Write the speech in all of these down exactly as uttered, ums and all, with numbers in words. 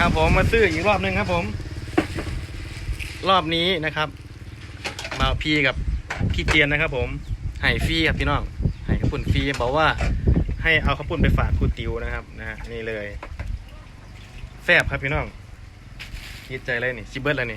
ครับผมมาซื้ออีกรอบหนึ่งครับผมรอบนี้นะครับมาพี่กับพี่เจียนนะครับผมให้ฟรีครับพี่น้องให้ข้าวปุ้นฟรีบอกว่าให้เอาข้าวปุ้นไปฝากครูติวนะครับนะฮะนี่เลยแซ่บครับพี่น้องคิดใจเลยนี่ชิเบิร์ดเลยนี่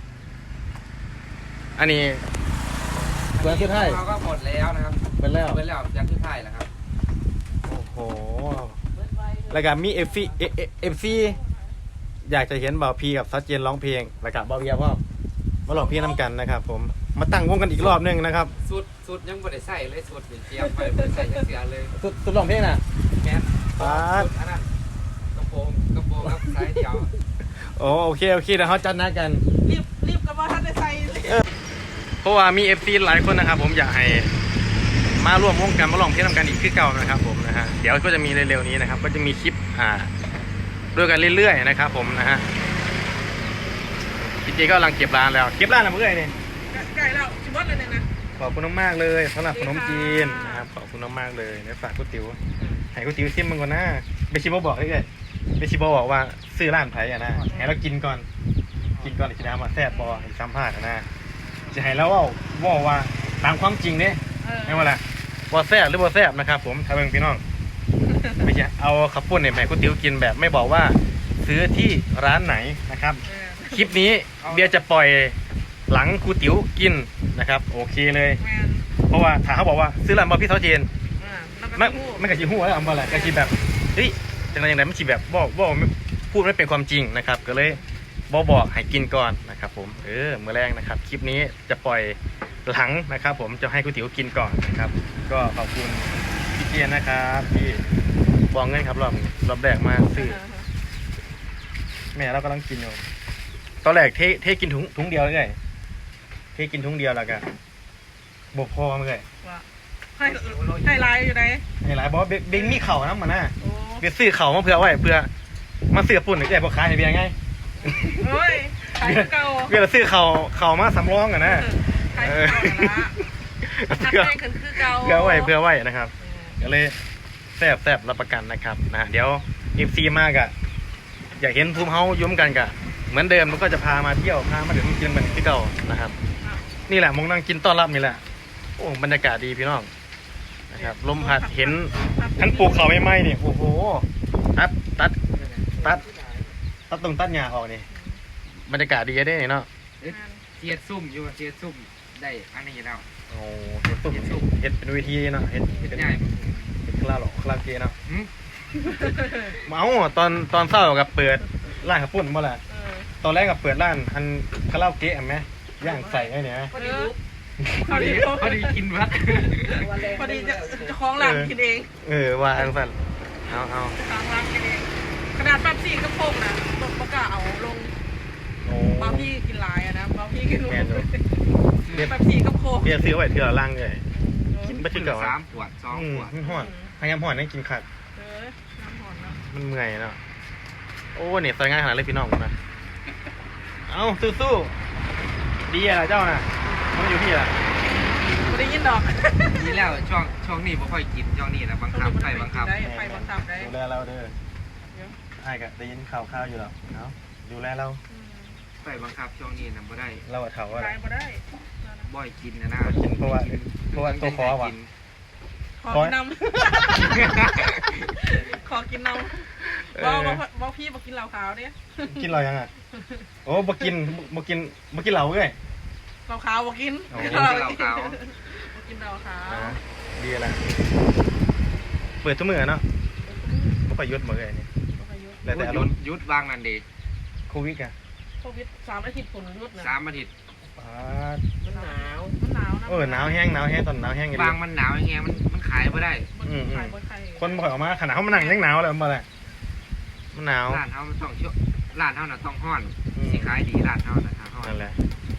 อันนี้เบิร์ดสุดท้ายเขาก็หมดแล้วนะครับเบิร์ดแล้วเบิร์ดแล้วยันสุดท้ายแล้วครับโอ้โหแล้วก็มีเอฟซีเอฟซีอยากจะเห็นบ่าวพีกับซัดเจนร้องเพลงแล้วก็บ่าวเบียร์พ่อมาร้องเพลงนำกันนะครับผมมาตั้งวงกันอีกรอบนึงนะครับสุดสุดยังไม่ได้ใส่เลยสุดเป็นเจียมไปไม่ได้ใส่ยังเสียเลยสุดสุดร้องเพลงน่ะแมนสุดอันนั้นกระโปรงกระโปรงครับสายเดียวโอ้โอเคโอเคเดี๋ยวเขาจัดนัดกันรีบรีบกับว่าท่านได้ใส่เพราะว่ามีเอฟซีหลายคนนะครับผมอยากให้มาร่วมวงกันมาลองเพลงนำกันอีกคือเก่านะครับผมนะฮะเดี๋ยวก็จะมีเร็วๆนี้นะครับก็จะมีคลิปอ่าด้วยกันเรื่อยๆนะครับผมนะฮะจริงๆก็กำลังเก็บร้านแล้วเก็บร้านแล้วเมื่อไหร่เนี่ยไก่แล้วชิมวัดเลยเนี่ยนะขอบคุณมากเลยสำหรับขนมจีนนะครับขอบคุณมากเลยเนี่ยฝากก๋วยเตี๋ยวให้ก๋วยเตี๋ยวซิมมันก่อนนะเบชิโบบอกเลยเบชิโบบอกว่าซื้อร้านไผ่อะนะให้เรากินก่อนกินก่อนจะได้มาแซ่บบอให้สัมภาษณ์นะจะให้แล้วว่าว่าว่าตามความจริงเนี่ยไม่ว่าละว่าแซ่บหรือว่าแซ่บนะครับผมทำเองพี่น้องไม่ใช่เอาขับปุ้นเนี่ยให้ก๋วยเตี๋ยวกินแบบไม่บอกว่าซื้อที่ร้านไหนนะครับคลิปนี้เบียร์จะปล่อยหลังก๋วยเตี๋ยวกินนะครับโอเคเลยเพราะว่าถ้าเขาบอกว่าซื้อร้านบอพี่เท้าเจนไม่ไม่กระชิหัวแล้วอัมบอลแหละกระชิแบบเฮ้ยจังไรอย่างไรไม่ชีแบบบอกบอกพูดไม่เป็นความจริงนะครับก็เลยบอกบอกให้กินก่อนนะครับผมเออเมื่อแรกนะครับคลิปนี้จะปล่อยหลังนะครับผมจะให้ก๋วยเตี๋ยวกินก่อนนะครับก็ขอบคุณพี่เจียนนะครับที่บอกเงินครับรอบรอบแรกมาซื้อแม่เรากำลังกินอยู่ตอนแรกเทเทกินถุงถุงเดียวเลยเทกินถุงเดียวแล้วก็บกพอมาเลยให้ให้ลายอยู่ไหนให้ลายบอกว่าเบงมีเข่านะมันน่ะเบียซื้อเข่ามาเผื่อไว้เพื่อมาซื้อปุ่นหรือแกบอกขายให้เบียไงโอ้ยขายเก่าเบียซื้อเข่าเข่ามาสำรองกันนะเพื่อคือเก่าเพื่อไว้เพื่อไว้นะครับก็เลยแซ่บแซ่บรับประกันนะครับนะเดี๋ยวเอฟซีมากอะอยากเห็นภูมิเฮายุ่มกันกะเหมือนเดิมมันก็จะพามาเที่ยวพามาเดี๋ยวมันกินเหมือนที่เก่านะครับนี่แหละมงนั่งกินต้อนรับนี่แหละโอ้บรรยากาศดีพี่น้องนะครับลมพัดเห็นทั้งปลูกเขาไม่ไหม้เนี่ยโอ้โหตัดตัดตัดตัดตรงตัดหญ้าออกนี่บรรยากาศดีได้เนาะเทียดซุ่มอยู่เทียดซุ่มได้อันนี้แล้วโอ้เห็ดซุ่มเห็ดเป็นวิธีเนาะเห็ดเป็นง่ายเห็ดคลาหรอคลาเกเนาะเมาตอนตอนเศร้ากับเปิดร้านขับปุ่นเมื่อไหร่ตอนแรกกับเปิดร้านอันคาราโอเกะไหมย่างใส่ไอ้เนี่ยพอดีพอดีพอดีกินวัดพอดีจะจะคล้องหลังกินเองเออว่าอันสั่นเอาเอาคล้องหลังกินเองขนาดแป๊บซี่ก็พงนะประกาศเอาลงบางพี่กินลายอะนะบางพี่กินลงแป๊บซี่ก็โคกเบียร์ซื้อไว้เถื่อล่างเลยกินไปที่เก่าสามขวดสองขวดมันห่อนพยายามห่อนให้กินขัดมันเมื่อยเนาะโอ้เนี่ยใส่ง่ายขนาดเลยพี่น้องนะเอาสู้ๆดีอะไรเจ้าน่ะมันอยู่ที่อะไรไม่ได้ยินดอกดีแล้วช่วงช่วงนี้ไม่ค่อยกินช่วงนี้นะบังคับใส่บังคับได้ไปบังคับได้ดูแลเราเด้อไอ้กะได้ยินข่าวข่าวอยู่หรอเนาะดูแลเราใส่บังคับช่วงนี้นะไม่ได้เราเถาอะไรไม่ได้บ่อยกินนะนะกินเพราะว่าเพราะว่าตัวคอว่ะขอกินน้ำขอกินน้ำบอกบอกพี่บอกกินเหล้าขาวเนี่ยกินเหล้ายังอ่ะโอ้บอกกินบอกกินบอกกินเหล้าเลยเหล้าขาวบอกกินกินเหล้าขาวบอกกินเหล้าขาวดีอะไรเปิดทุกมือเนาะก็ไปยุดมือไงนี่แล้วแต่ยุดวางนั่นดีโควิดอะโควิดสามอาทิตย์ฝนยุดนะสามอาทิตย์มันหนาวมันหนาวนะเออหนาวแห้งหนาวแห้งตอนหนาวแห้งบางมันหนาวอย่างเงี้ยมันมันขายไม่ได้คนบ่อยออกมาขนาดเขามานั่งยังหนาวเลยมันอะไรมันหนาวร้านเขามันต้องช่วร้านเขาน่ะต้องห้อนสิขายดีร้านเขาน่ะห้อนนั่นแหละ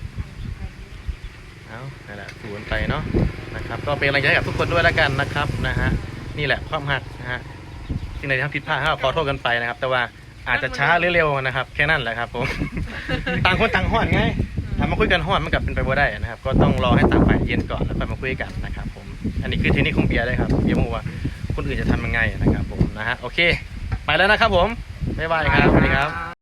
เอานั่นแหละสูนไปเนาะนะครับก็เป็นกำลังใจกับทุกคนด้วยแล้วกันนะครับนะฮะนี่แหละความหักนะฮะสิ่งใดที่ทำผิดพลาดขอโทษกันไปนะครับแต่ว่าอาจจะช้าหรือเร็วนะครับแค่นั้นแหละครับผมต่างคนต่างห้อนไงถ้ามาคุยกันห้อนมันกลับเป็นไปบ่ได้นะครับก็ต้องรอให้ต่างฝ่ายเย็นก่อนแล้วค่อยมาคุยกันนะครับผมอันนี้คือเทคนิคของเบียร์เลยครับเบียร์มูว่าคนอื่นจะทำยังไงนะครับผมนะฮะโอเคไปแล้วนะครับผมบ๊ายบายครับสวัสดีครับ